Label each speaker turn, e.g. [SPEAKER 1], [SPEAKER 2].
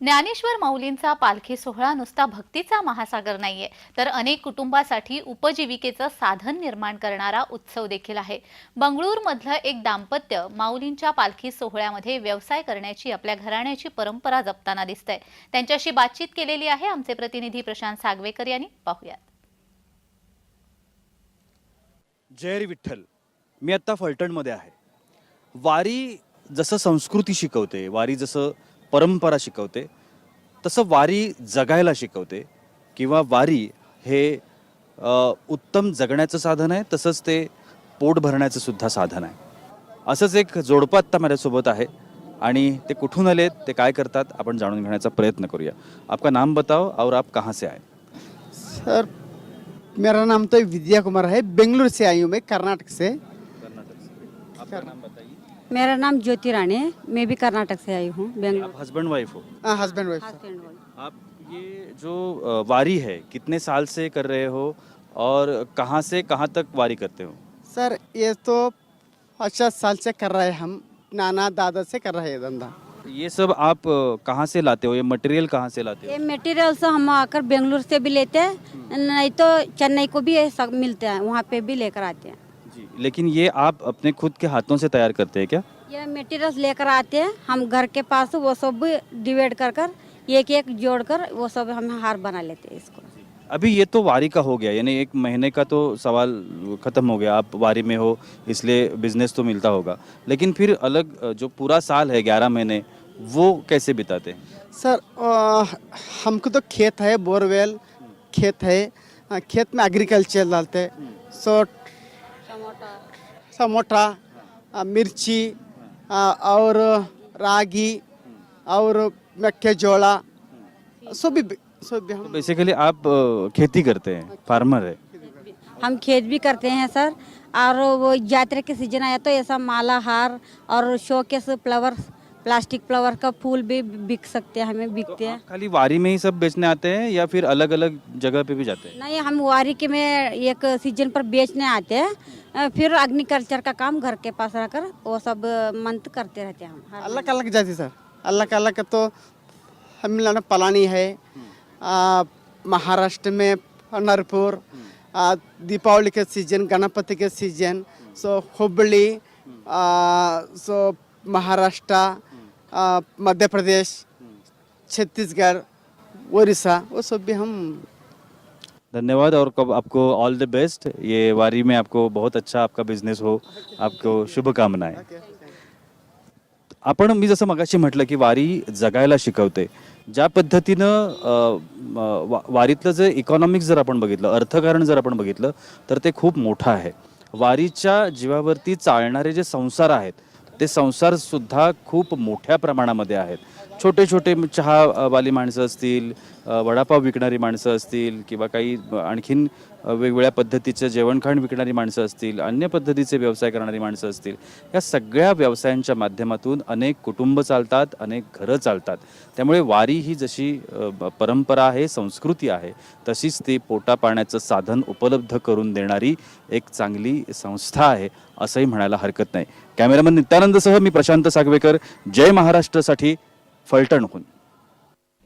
[SPEAKER 1] ज्ञानेश्वर माऊलींचा पालखी सोहळा नुसता भक्तीचा महासागर नाहीये, तर अनेक कुटुंबासाठी उपजीविकेचं साधन निर्माण करणारा उत्सव देखील आहे। बंगळूरमधलं एक दाम्पत्य माऊलींच्या पालखी सोहळ्यामध्ये व्यवसाय करण्याची आपल्या घराण्याची परंपरा जपताना दिसतंय। त्यांच्याशी बातचीत केलेली आहे आमचे प्रतिनिधी प्रशांत सागवेकर यांनी। पाहूयात।
[SPEAKER 2] जय विठ्ठल। मी आता फलटणमध्ये आहे। वारी जसं संस्कृती शिकवते, वारी जसं परंपरा शिकवते, तसं वारी जगायला शिकवते किंवा वारी हे उत्तम जगण्याचं साधन आहे, तसंच ते पोट भरण्याचं सुद्धा साधन आहे। असंच एक जोडपं आत्ता माझ्यासोबत आहे आणि ते कुठून आलेत, ते काय करतात, आपण जाणून घेण्याचा प्रयत्न करूया। आपका नाम बताओ और आप कहाँ से आए?
[SPEAKER 3] सर, मेरा नाम तो विद्या कुमार है। बेंगलुरु से आई हूँ मैं, कर्नाटक से।
[SPEAKER 2] आपका नाम बताइए।
[SPEAKER 4] मेरा नाम ज्योति रानी है, मैं भी कर्नाटक से आई हूँ, बेंगलुरु।
[SPEAKER 2] आप हस्बैंड वाइफ हो?
[SPEAKER 3] हाँ, हस्बैंड वाइफ।
[SPEAKER 2] आप ये जो वारी है कितने साल से कर रहे हो और कहाँ से कहाँ तक वारी करते हो?
[SPEAKER 3] सर, ये तो 50 साल से कर रहे हैं हम, नाना दादा से कर रहे हैं धंधा।
[SPEAKER 2] ये सब आप कहाँ से लाते हो? ये मटेरियल कहाँ से लाते
[SPEAKER 4] ये
[SPEAKER 2] हो?
[SPEAKER 4] मटेरियल से हम आकर बेंगलुरु से भी लेते हैं, नहीं तो चेन्नई को भी ये सब मिलते हैं, वहाँ पे भी लेकर आते हैं।
[SPEAKER 2] जी, लेकिन ये आप अपने खुद के हाथों से तैयार करते हैं क्या?
[SPEAKER 4] ये मटेरियल लेकर आते हैं हम घर के पास, वो सब भी डिवाइड कर कर एक एक जोड़कर वो सब हम हार बना लेते हैं इसको।
[SPEAKER 2] अभी ये तो वारी का हो गया, यानी एक महीने का तो सवाल खत्म हो गया। आप वारी में हो इसलिए बिजनेस तो मिलता होगा, लेकिन फिर अलग जो पूरा साल है 11 महीने, वो कैसे बिताते हैं?
[SPEAKER 3] सर, हमको तो खेत है, बोरवेल खेत है। खेत में एग्रीकल्चर डालते हैं। सो टमाटा, मिर्ची और रागी और मेक्केजोला सब भी हम
[SPEAKER 2] बेसिकली आप खेती करते हैं, फार्मर है।
[SPEAKER 4] हम खेत भी करते हैं सर, और वो यात्रा के सीजन आया तो ऐसा माला हार और शोकेस फ्लावर, प्लास्टिक फ्लावर का फूल भी बिक सकते हैं, हमें बिकते हैं।
[SPEAKER 2] खाली वारी में ही सब बेचने आते हैं या फिर अलग अलग जगह पे भी जाते हैं?
[SPEAKER 4] नहीं, हम वारी के में एक सीजन पर बेचने आते हैं, फिर एग्रीकल्चर का काम घर के पास रहकर वो सब मंथ करते रहते हैं हम।
[SPEAKER 3] अलग अलग जाति सर, अलग अलग तो तमिलनाडु पलानी है, महाराष्ट्र में पंढरपुर, दीपावली के सीजन, गणपति के season, so Hubli, so Maharashtra, Madhya Pradesh, Chhattisgarh, Orissa, वो सब भी हम।
[SPEAKER 2] धन्यवाद और आपको ऑल द बेस्ट। ये वारी में आपको बहुत अच्छा आपका बिझनेस हो, आपको शुभकामनाएं। आपण मी जसं मगाशी म्हटलं की वारी जगायला शिकवते। ज्या पद्धतीनं वारीतलं जे इकॉनॉमिक्स जर आपण बघितलं, अर्थकारण जर आपण बघितलं, तर ते खूप मोठं आहे। वारीच्या जीवावरती चालणारे जे संसार आहेत, ते संसार सुद्धा खूप मोठ्या प्रमाणामध्ये आहेत। छोटे छोटे चहावाली माणसं असतील, वडापाव विकणारी माणसं असतील, किंवा काही आणखीन वेगवेगळ्या पद्धतीचं जेवणखाण विकणारी माणसं असतील, अन्य पद्धतीचे व्यवसाय करणारी माणसं असतील, या सगळ्या व्यवसायांच्या माध्यमातून अनेक कुटुंब चालतात, अनेक घरं चालतात। त्यामुळे वारी ही जशी परंपरा आहे, संस्कृती आहे, तशीच ती पोटा पाण्याचं साधन उपलब्ध करून देणारी एक चांगली संस्था आहे, असंही म्हणायला हरकत नाही। कॅमेरामन नित्यानंदसह मी प्रशांत सागवेकर, जय महाराष्ट्रसाठी फलटणहून।